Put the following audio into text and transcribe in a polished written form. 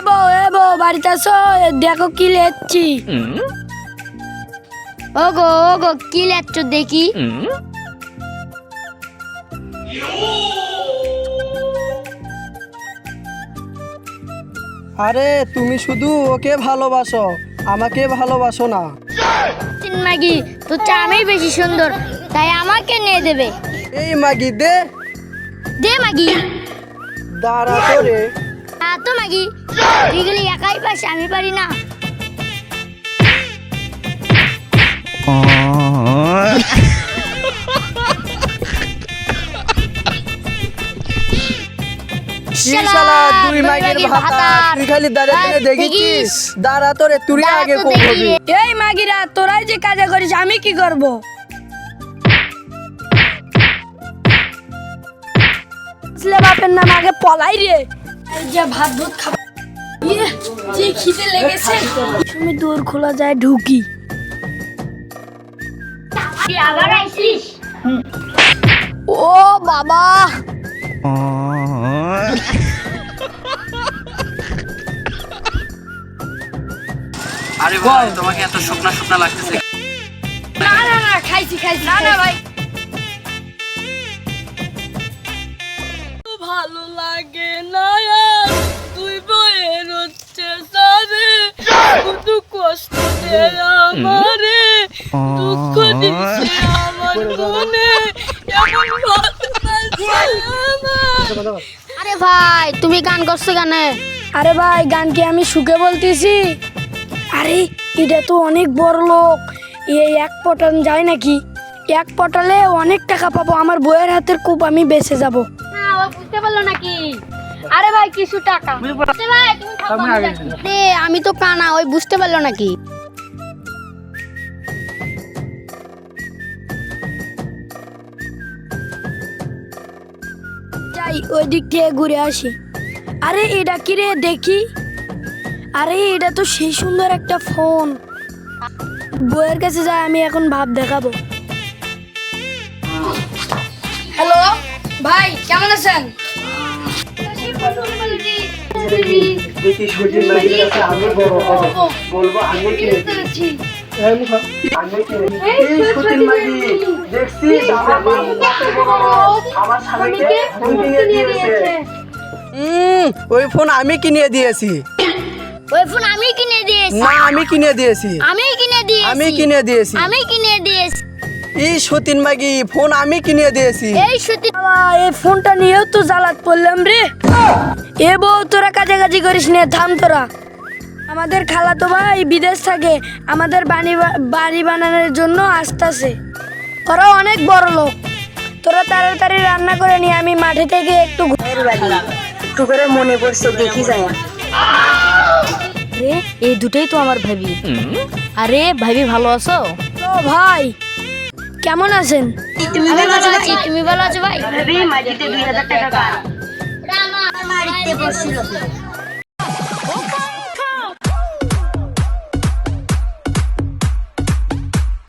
বউ বাড়িতে আসো, দেখো কি লেচ্ছি। ওগো ওগো কি লেচ্ছ দেখি। আরে তুমি শুধু ওকে ভালোবাসো, আমাকে ভালোবাসো না। মাগি তোর চামেই বেশি সুন্দর, তাই আমাকে নিয়ে দেবে। এই মাগি দে। দে মাগি। দাঁড়া তো রে। তো মাগি তুই গেলি একাই পাস, আমি পারি না। শালা দুই মাগির ভাতা, তুই খালি দাঁড়িয়ে দেখিস। দাঁড়া তো রে, তুই আগে করবি। এই মাগিরা তোরাই যে কাজে করিস, আমি কি করব? বাপের নাম আগে পলাই রে। এই যে ভাত ভাত খাবো, যে খিদে লেগেছে। তুমি দূর খোলা যায় ঢুকি। আবার আইছিস? ও বাবা, আরে ভাই তোমাকে এত শুকনা শুকনা লাগতেছে? না না না, খাইছি না না ভাই। ভালো লাগে না আর তুই বয়ের হচ্ছে সারে, শুধু কষ্ট দে আমারে, দুঃখ দিছে আমার মনে, এমন ভালোবাসা আমার। আরে ভাই তুমি গান করছো গানে? আরে ভাই গান কি আমি সুখে বলতেছি? আরে এটা তো অনেক বড় লোক, এই এক পটান যায় নাকি? এক পটালে অনেক টাকা পাবো, আমার বইয়ের হাতের কূপ আমি বেঁচে যাব। না ও বুঝতে পারলো নাকি? আরে ভাই কিছু টাকা। ভাই তুমি খাও, রে আমি তো কানা, ওই বুঝতে পারলো নাকি? যাই ওই দিক দিয়ে ঘুরে আসি। আরে এটা কি রে দেখি? আরে এটা তো সেই সুন্দর একটা ফোন। বইয়ের কাছে যাই, আমি এখন ভাব দেখাবো। হ্যালো ভাই, কেমন আছেন? ওই ফোন আমি কিনে দিয়েছি। ওই ফোন আমি কিনে দিয়েছি। না আমি কিনে দিয়েছি। আমি কিনে দিয়েছি। আমি কিনে দিয়েছি। আমি কিনে দিয়েছি। এই সতীন মাগি ফোন আমি কিনে দিয়েছি। এই সত্যি এই ফোনটা নিয়েও তো জ্বালাত পড়লাম রে। এ বউ তোরা কাছাকাছি করিস নে, থাম তোরা। আমাদের খালাতো ভাই বিদেশ থাকে, আমাদের বাড়ি বানানোর জন্য আসতেছে। ওরা অনেক বড় লোক। তোরা তাড়াতাড়ি রান্না করে নিয়ে আমি মাঠে থেকে একটু একটু করে মনে পড়ছে, দেখি যায়। আরে এই দুটোই তো আমার ভাবি। আরে ভাবি ভালো আছো? তো ভাই কেমন আছেন? তুমি ভালো আছো ভাই? তুমি ভালো আছো ভাই? মাটিতে 2000 টাকা রামা বাড়িতে বসছিল।